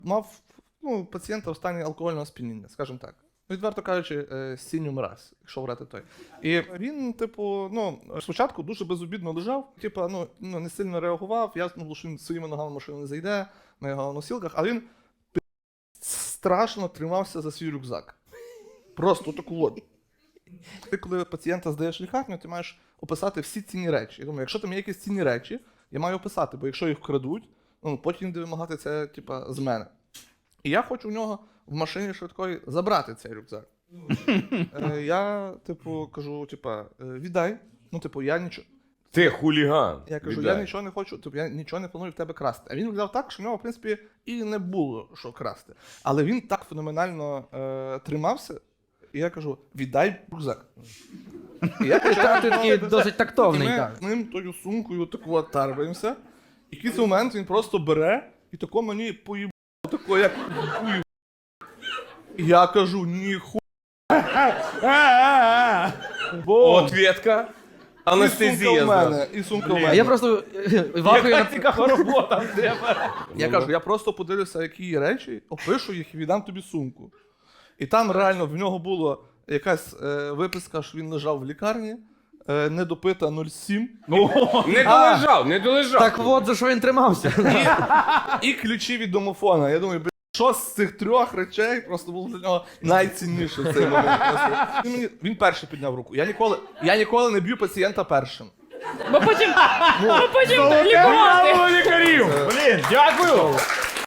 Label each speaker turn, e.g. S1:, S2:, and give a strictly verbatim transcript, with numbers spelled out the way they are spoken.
S1: мав ну, пацієнта в стані алкогольного сп'яніння, скажімо так. Відверто кажучи, сіньому раз, якщо врати той. І він, типу, ну, спочатку дуже безобідно лежав, типу, ну, ну не сильно реагував, ясно було, що він своїми ногами в машину не зайде, на його носілках, але він страшно тримався за свій рюкзак. Просто таку от. Ти, коли пацієнта здаєш в лікарню, ти маєш описати всі цінні речі. Я думаю, якщо там є якісь цінні речі, я маю описати, бо якщо їх вкрадуть, ну, потім буде вимагати це, типа, з мене. І я хочу в нього в машині швидкої забрати цей рюкзак. е, я, типу, кажу, типа, віддай. Ну, типу, я нічого.
S2: Ти хуліган.
S1: Я кажу,
S2: віддай.
S1: я нічого не хочу, тобто я нічого не планую в тебе красти. А він виглядав так, що в нього, в принципі, і не було що красти. Але він так феноменально е, тримався, і я кажу, віддай рюкзак. І я
S3: Ти такий досить тактовний,
S1: ми
S3: так.
S1: з ним тою сумкою таку от тарбаємося. І в якийсь момент він просто бере і тако мені поїбав, тако як поїбав. І я кажу, ніху.
S2: Ответка. Анестезія.
S1: І сумка в
S2: зразу.
S1: мене, і сумка в
S3: А
S1: мене.
S3: я просто вахую на...
S4: Цікава робота в тебе.
S1: Я кажу, я просто подивлюся, які є речі, опишу їх і віддам тобі сумку. І там реально в нього була якась е, виписка, що він лежав в лікарні, е, недопита нуль сім,
S2: Не долежав, не долежав.
S3: Так от, за що він тримався.
S1: і ключі від домофона. Я думаю, бля, що з цих трьох речей просто було для нього найцінніше в цей момент. Він, мені, він перший підняв руку. Я ніколи, я ніколи не б'ю пацієнта першим.
S4: Бо потім, бо потім лікувати.
S2: лікарів.
S4: Блін, дякую.